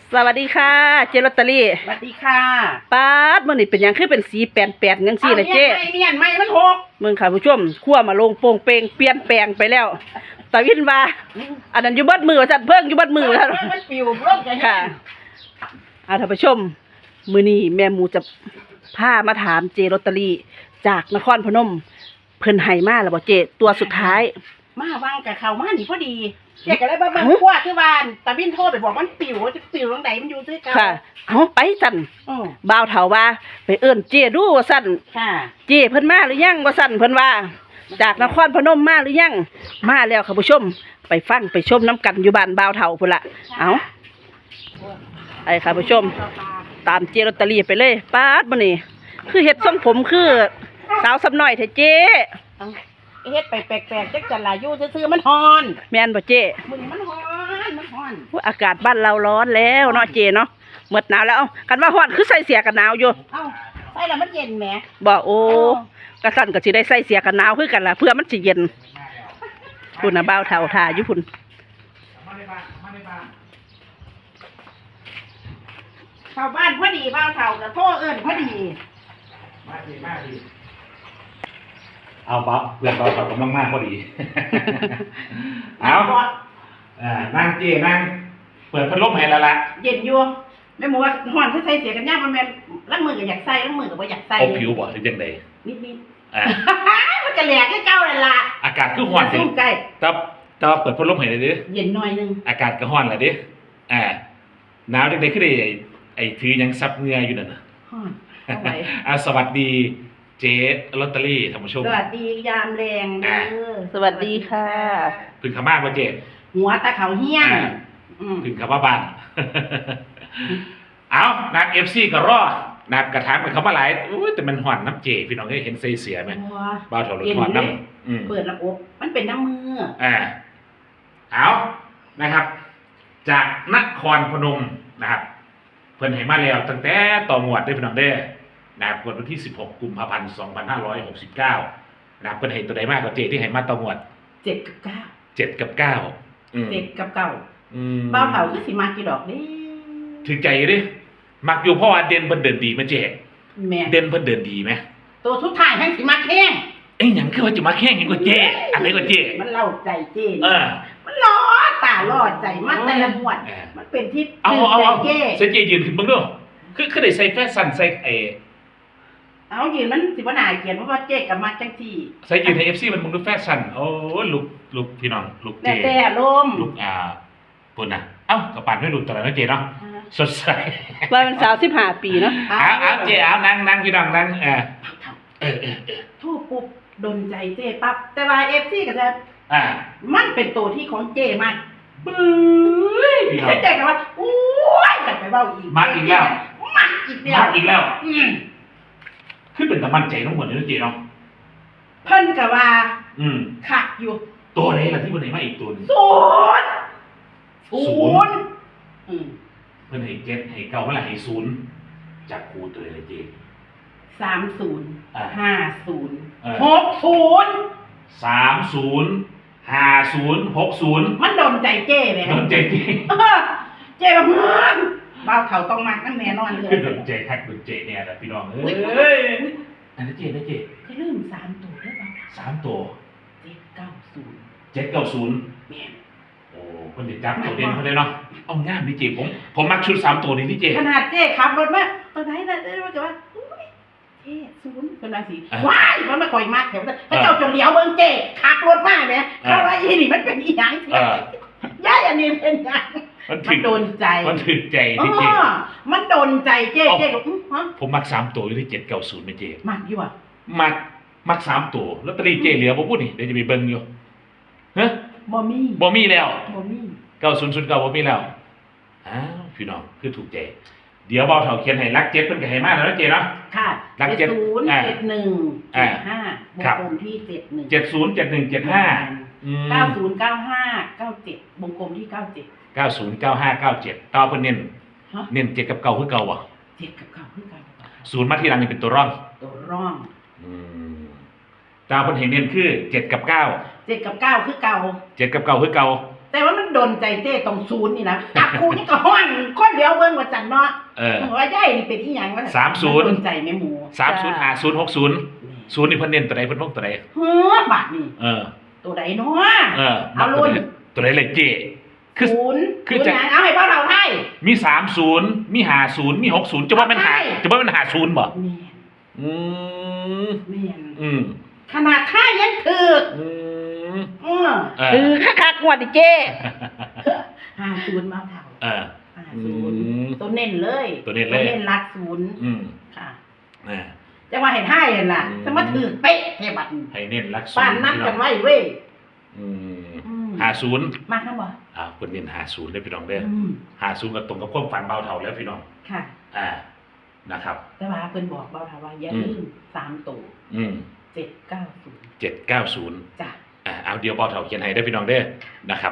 สวัสดีค่ะเจลอตเตอรี่สวัสดีค่ะป๊าดมื้อนี้เป็นหยังคือเป็นสีแปดจังซี่ล่ะเจ๊เนียนไม่มันหกมึงค่ะผู้ชมคั่วมาลงโป่งเปงเปลี่ยนแปลงไปแล้วตาวินว่าอันนั้นอยู่เบิดมือว่าซั่นเพิ่งอยู่เบิดมือว่าซั่นมันปิวร่มกันค่ะท่านผู้ชมมื้อนี้แม่หมูจะพามาถามเจลอตเตอรี่จากนครพนมเพิ่นให้มาแล้วบ่เจตัวสุดท้ายมาว่างกับเขามาหนีพอดีเจ๊ก็เลยบ้าขั้วที่บ้านตาบินโทรไปบอกมันปิวจะปิวตรงไหนมันอยู่ด้วยกันค่ะเอาไปซั่นบ่าวเฒ่าว่าไปเอิ้นเจดูว่าซั่นค่ะเจเพิ่นมาหรือยังว่าซั่นเพิ่นว่าจากนครพนมมาหรือยังมาแล้วค่ะผู้ชมไปฟังไปชมน้ำกันอยู่บ้านบ่าวเฒ่าพุ่นล่ะเอาไอ้ค่ะผู้ชมตามเจลอตเตอรี่ไปเลยป๊าดมื้อนี้คือเฮ็ดทรงผมคือสาวสำน้อยแท้เจเฮ็ดไปแปลกๆจักจันลาอยู่ซื่อๆมันฮ้อนแม่นบ่เจมึงมันฮ้อนอากาศบ้านเราร้อนแล้วเนาะเจเนาะหมดหนาวแล้วกันว่าฮ้อนคือใส่เสื้อกันหนาวอยู่เอ้าใส่แล้วมันเย็นแหมบ่โอ้กะสั่นก็สิได้ใส่เสื้อกันหนาวคือกันล่ะเพื่อมันสิเย็นพุ่นน่ะบ่าวเฒ่าท่าอยู่พุ่นเข้าบ้านพอดีบ้าวเฒ่าก็โทรเอิ้นพอดีมาดีเอาปั๊บเพื่อนเรากำลังมากพอดีเอานั่งเจนั่งเปิดพัดลมให้แล้วล่ะเย็นอยู่แม่หมูว่าฮ้อนคือใส่เสียกันยากมันแม่นล้างมือก็อยากใส่ล้างมือก็บ่อยากใส่เอาผิวบ่หรือจังได๋นิดๆมันก็แหลกให้เก่านั่นล่ะอากาศคือร้อนสิใกล้แต่เปิดพัดลมให้ได้ดิเย็นหน่อยนึงอากาศก็ร้อนล่ะดิหนาวจังได๋คือได้ไอ้ถือหยังซับเหงื่ออยู่นั่นน่ะฮ้อนเอาไว้สวัสดีเจ๊ลอตเตอรี่ท่านผู้ชมสวัสดียามแรงเด้อสวัสดีค่ะพึ่งเข้ามาบ่เจ๊หัวตาเขาเหี้ยงพึ่งเข้ามาบ้านเอานัก FC ก็รอนักกระถางมันเข้ามาหลายแต่มันฮ้อนน้ำเจพี่น้องเห็นใส่เสียมั้ยบ่าวเฒ่ารถฮ้อนน้ำเปิดระบบมันเป็นน้ำมือเอานะครับจากนครพนมนะครับเพิ่นให้มาแล้วตั้งแต่ต่องวดได้พี่น้องเด้อนะครับวันที่16กุมภาพันธ์2569นะครับเพิ่นให้ตัวใดมากกว่าเจที่ให้มาต่องวด 7 กับ 9 7 กับ 9 7 กับ 9บ่าวเฒ่าคือสิมากี่ดอกนี่ถึงใจดิมักอยู่เพราะว่าเด่นเพิ่นเดินดีมั้ยเจแม่เด่นเพิ่นเดินดีมั้ยตัวสุดท้ายแห่งสิมาแข้งหยังคือว่าจะมาแข่งกันกว่าเจอะไรกว่าเจมันเล่าใจเจมันล้อตาล้อใจมันแต่ละหมวดมันเป็นที่เอาเจยืนขึ้นเบิ่งดูคือได้ใส่แฟชั่นใส่เอายืนมันสิบ่น่าเกลียดเพราะว่าเจ๊ก็มาจังซี่ใส่ยืนให้ FC มันมึงดูแฟชั่นโอ้ลุกพี่น้องลุกเจแต่ลมลุกปุ่นน่ะเอ้ากระปานไม่หลุดตอนนั้นเจเนาะสดใสว่าเป็นสาว15ปีเนาะเจนั่งพี่น้องนั่งโทษปุ๊บดนใจเจ๊ปั๊บแต่ว่า FC ก็จะมันเป็นตัวที่ของเจ๊มากบึ้ยเจ๊ก็ว่าโอ้ยไปเว้าอีกมักอีกแล้วคือเป็นตะมันใจทั้งหมดเลยเจเนาะเพิ่นก็ว่าคักอยู่ตัวไหนล่ะที่บ่ได้มาอีกตัวนึง 0เพิ่นให้7ให้9เมื่อไหร่ให้0จับคู่ตัวเลยเจ 30 50 60 30 50 60 มันโดนใจเจ้แหมโดนใจเจ้แบบบ่าวเขาต้องมักนั่นแน่นอนเลยโดนใจคักโดนใจแน่ล่ะพี่น้องอันนั้นเจให้ลืม3ตัวได้ป่ะ 3ตัว 790 แม่นโอ้เพิ่นสิจับตัวเด่นเพิ่นได้เนาะเอางามนี่เจผมมักชุด3ตัวนี้นี่เจขนาดเจ้ขับรถมาตัวไหนน่ะว่าจะว่าเจ๊0เป็นราศีว้ายมันไม่ค่อยมากแถวนั้นพระเจ้าจงเหลียวเบิ่งเจ๊ขับรถมาแหมเพราะว่าอีนี่มันเป็นอีหยังย้ายอันนี้เป็นหยังมันโดนใจมันถึกใจที่เจ๊มันโดนใจเจ๊ก็ผมมัก3ตัวอยู่ที่790แม่เจ๊มักอยู่อ่ะมัก3ตัวลอตเตอรี่เจ๊เหลือบ่พูดนี่เดี๋ยวจะไปเบิ่งอยู่ฮะบ่มีแล้ว9009บ่มีแล้วอ้าวพี่น้องคือถูกใจเดี๋ยวบ่าวเฒ่าเขียนให้รัก7เพิ่นก็ให้มาแล้วเจ๊เนาะค่ะรัก7 0 71 75วงกลมที่71 70 71 75 90 95 97วงกลมที่97 90 95 97ต่อเพิ่นเน้น7กับ9คือเก่าบ่ 7กับ9คือเก่า 0มาทีหลังนี่เป็นตัวร่องตาเพิ่นให้เน้นคือ7กับ9 7กับ9คือเก่า 7กับ9คือเก่าแต่ว่ามันโดนใจเจ้ตรง0นี่นะจับคู่นี่ก็ฮ้อนคนเดียวยวเบิ่งว่าจันเนาะๆว่าย่ายนี่เป็นอีหยังวะ 30 สนใจแม่หมู 305060 นี่เพิ่นเน้นตัวใดเพิ่นวงตัวใดเฮ้อบาทนี่ตัวใดเนาะเอารุ่นตัวใดเลยเจ้คือศูนย์คือจะหยังเอาให้เบ้าเราไทยมี30มี50มี60จะว่ามันหาใช่จะว่ามัน50บ่แม่นอืมแม่นอืมขนาดไทยยังถึกอืมเออคือคักๆงวดดิเจ้ 50มาเท่าเออ 50ตัวเน้นเลยตัวเน้นเลยตัวเน้นหลักศูนย์อืมค่ะอ่าจะว่าให้ไทยนั่นล่ะจะมาถึกเป๊ะแค่บัดนี้ให้เน้นรักป้านนัดกันไว้เว้ยอืมอืม 50 มากนะบ่เพิ่นเน้น50ได้อพี่น้องเด้ออืม 50ก็ตรงกับความฝันเบาเท่าแล้วพี่น้องค่ะนะครับแต่ว่าเพิ่นบอกเบาค่ะว่าอย่าลืม3ตัวอืม 790 790 จ้ะเอาเดี๋ยวเบาเท่าเขียนให้ได้อพี่น้องเด้อนะครับ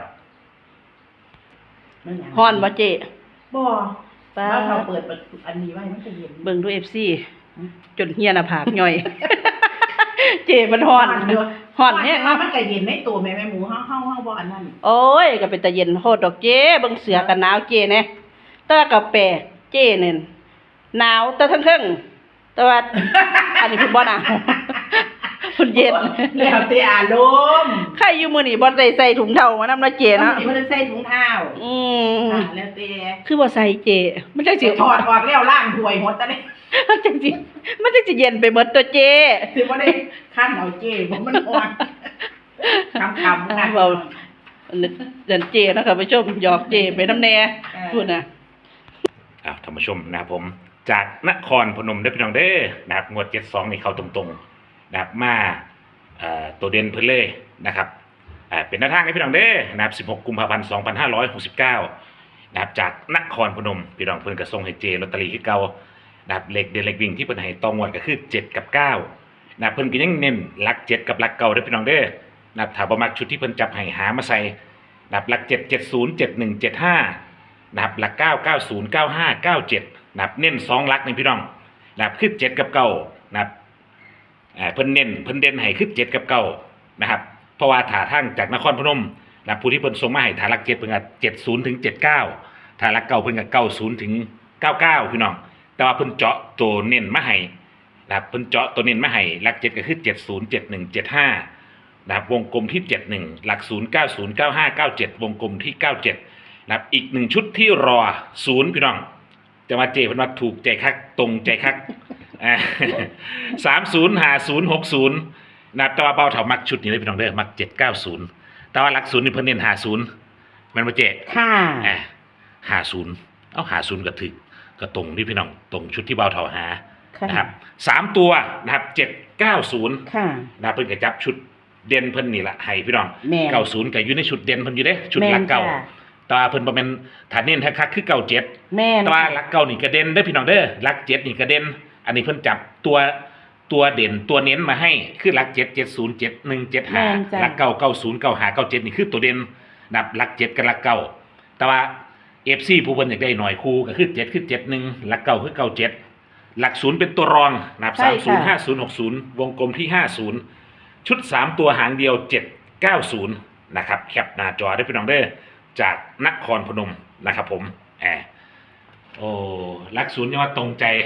ไม่หยังฮ้อนบ่เจ้บ่ป้าว่าเขาเปิดอันนี้ไว้มันจะเย็นเบิ่งดู FC จนเฮียหน้าผากย่อย เจ้มันฮ้อนฮ้อนแฮงเนาะมันก็เย็นในตัวแม่หมูเฮาบ่อันนั้นโอ้ยก็เป็นตาเย็นโหดดอกเจ้เบิ่งเสือกันหนาวเจ้แน่แต่ว่าก็แปลกเจ้เนี่ยหนาวแต่ทั้งเทิงแต่ว่า อันนี้เพิ่นบ่หนาว เพิ่นเย็นแล้วแต่อารมณ์ใครอยู่มื้อนี้บ่ได้ใส่ถุงเท้ามานำเนาะเจ้เนาะมันใส่ถุงเท้าอืมแล้วแต่คือบ่ใส่เจ้มันจังสิถอดออกแล้วล้างถ้วยหมดตะนี่มันจังสิมันจังสิเย็นไปหมดตัวเจ้สิบ่ได้คั่นเอาเจ้บ่มันอ่อนคำค่ะเว้าเดินเจ้เนาะค่ะผู้ชมหยอกเจ้ไปน้ำแน่พูดน่ะท่านผู้ชมนะครับผมจากนครพนมได้อพี่น้องเด้อนะครับงวด72นี่เข้าตรงๆนะครับมาตัวเด่นเพิ่นเลยนะครับเป็นหน้าทางให้พี่น้องเด้อนะครับ16กุมภาพันธ์2569นะครับจากนครพนมพี่น้องเพิ่นก็ส่งให้เจลอตเตอรี่คือเก่านะครับเลขเด่นเลขวิ่งที่เพิ่นให้ตองวดก็คือ7กับ9นะครับเพิ่นก็ยังเน้นหลัก7กับหลักเก่าเด้อพี่น้องเด้อนะครับถ้าบ่มักชุดที่เพิ่นจับให้หามาใส่นะครับหลัก7 70 71 75นะครับหลัก9 90 95 97นะครับเน้น2หลักนี่พี่น้องนะครับคือ7กับ9นะครับเพิ่นเน้นเพิ่นเด่นให้คือ7กับ9นะครับเพราะว่าถ้าทางจากนครพนมนะครับผู้ที่เพิ่นส่งมาให้ถ้าหลัก7เพิ่นก็70ถึง79ถ้าหลักเก่าเพิ่นก็90ถึง99พี่น้องแต่ว่าเพิ่นเจาะตัวเน้นมาให้นะครับเพิ่นเจาะตัวเน้นมาให้หลัก7ก็คือ70 71 75นะครับวงกลมที่71หลัก0 90 95 97วงกลมที่97นะครับอีก1ชุดที่รอ0พี่น้องจะมาเจเพิ่นว่าถูกใจคักตรงใจคัก305060นะครับแต่ว่าเบาเถามักชุดนี้เลยพี่น้องเด้อมัก790แต่ว่าหลัก0นี่เพิ่นเน้น50มันบ่เจค่ะ 50เอา50ก็ถึกก็ตรงที่พี่น้องตรงชุดที่เบาเถาหาค่ะนะครับ3ตัวนะครับ790 ค่ะนะเพิ่นก็จับชุดเด่นเพิ่นนี่ล่ะให้พี่น้องแม่น 90ก็อยู่ในชุดเด่นเพิ่นอยู่เด้ชุดหลักเก่าแม่นจ้ะแต่ว่าเพิ่นบ่แม่นถ้าเน้นคักๆคือ97 แม่นแต่ว่าหลักเก่านี่ก็เด่นเด้อพี่น้องเด้อหลัก7นี่ก็เด่นอันนี้เพิ่นจับตัวเด่นตัวเน้นมาให้คือหลัก7 70 71 75หลักเก่า90 95 97นี่คือตัวเด่นนับหลัก7กับหลักเก่าแต่ว่า FC ผู้เพิ่นอยากได้หน่อยคู่ก็คือ7คือ71หลักเก่าคือ97หลัก0เป็นตัวรองนับ30 50 60วงกลมที่50ชุด3ตัวหางเดียว790นะครับแคปหน้าจอได้พี่น้องเด้อจากนครพนมนะครับผมโอ้หลัก0ยังว่าตรงใจ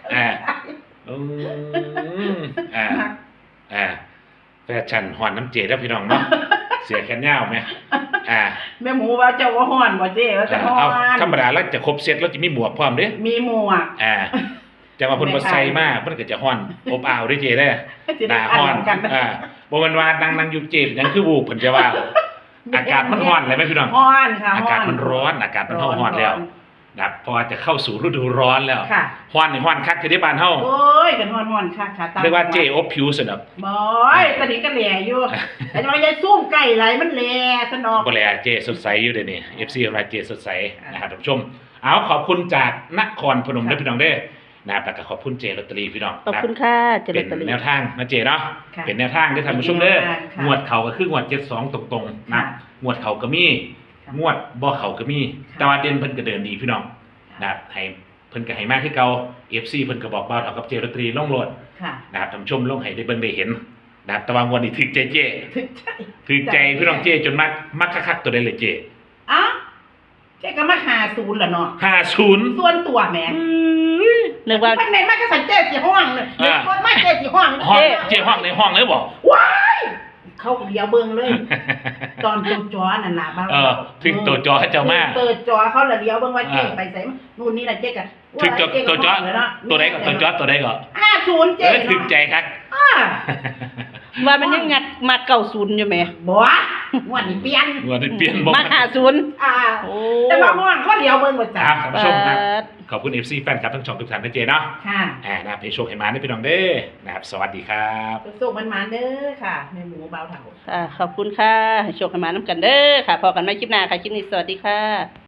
แฟชั่นหอนน้ำเจได้พี่น้องเนาะเสียแขนยาวไหมแม่หมูว่าเจ้าว่าฮ้อนบ่เจ้ว่าจะฮ้อเอานธรรมดาแล้วจะครบเซตแล้วจะมีหมวกพร้อมเด้มีหมวกจะมาเพ่นบ่ใส่มากมันก็จะฮ้อนอบอ้าวด้วยเจได้จะหได้น้าฮ้อนกันบ่แม่นว่านั่งอยู่เจบยังคือวูบเพิ่นจะว่า อากาศมันร้อนเลยไหมพี่น้องฮ้อนค่ะอากาศมันร้อนอากาศมันร้อนแล้วนะครับเพราะว่าจะเข้าสู่ฤดูร้อนแล้วค่ะฮ้อนนี่ฮ้อนคักจะได้บ้านเฮาโอ้ยกันฮ้อนๆค่ะตามเรียกว่าเจอบผิวสนับบ่อยตอนนี้ก็แหล่อยู่แต่ว่าอย่าซุ่มใกล้ไหลมันแหล่ซะเนาะบ่แลเจสดใสอยู่เด้นี่ FC ของเราเจสดใสนะครับท่านผู้ชมเอาขอบคุณจากนครพนมเด้อพี่น้องเด้อนะครับแล้วก็ขอบคุณเจลอตเตอรี่พี่น้องขอบคุณค่ะเจริเป็ญนตะลีแนวทางนะเจเนาะค่ะเป็นแนวทางที่ท่านผู้ชมเด้อเป็นแนวทางค่ะงวดเขาก็คืองวด72ตรงๆนะค่ะงวดเขาก็มีค่ะงวดบ่เขาก็มีค่ะแต่ว่าเด่นเพิ่นก็เดินดีพี่น้องนะครับให้เพิ่นก็ให้มากคือเก่า FC เพิ่นก็บอกเบาเท่ากับเจลอตเตอรี่ลงโหลดค่ะนะครับท่านผู้ชมลงให้ได้เบิ่งได้เห็นนะครับแต่ว่างวดนี้ถึกใจเจถึกใจถึกใจพี่น้องเจจนมักคักๆตัวใดเลยเจอ่ะแกก็มาหาศูนย์ละเนาะ 50 ส่วนตัวแหมนึกว่ามันแม่นมากก็สันเจ้สิห้องเลยเด็กคนมากเจ้สิห้องห้องเจ๊ห้องในห้องเลยบ่ว้ายเขาเดียวเบิ่งเลย ตอนตัวจอนั่นล่ะบ้าถึงตัวจอให้เจ้ามาตัวจอเขาละเดียวเบิ่งว่าเจ๊ไปใส่นู่นนี่ล่ะเจ๊ก็ถึงตัวจอตัวใดก็ตัวจอตัวใดก็ 50เจ๊ถึงใจครับว่ามันยังงัดมาเก่าศูนย์อยู่ไหมบ่งวดนี้เปลี่ยนว่าได้เปลี่ยนบ่มาหาศูนย์ โอ้แต่ว่าม่วงเขาเดียวเบิ่งว่าคจ้ะรับท่านผู้ชมครับ ขอบคุณ FC แฟนคลับทั้งช่องทุกท่านนะเจเนาะค่ะนะครับให้โชคให้มาได้พี่น้องเด้อนะครับสวัสดีครับสุขๆมันๆเด้อค่ะแม่หมูเบาเถาค่ะขอบคุณค่ะให้โชคให้มาน้ำกันเด้อค่ะพอกันใหม่คลิปหน้าค่ะคลิปนี้สวัสดีค่ะ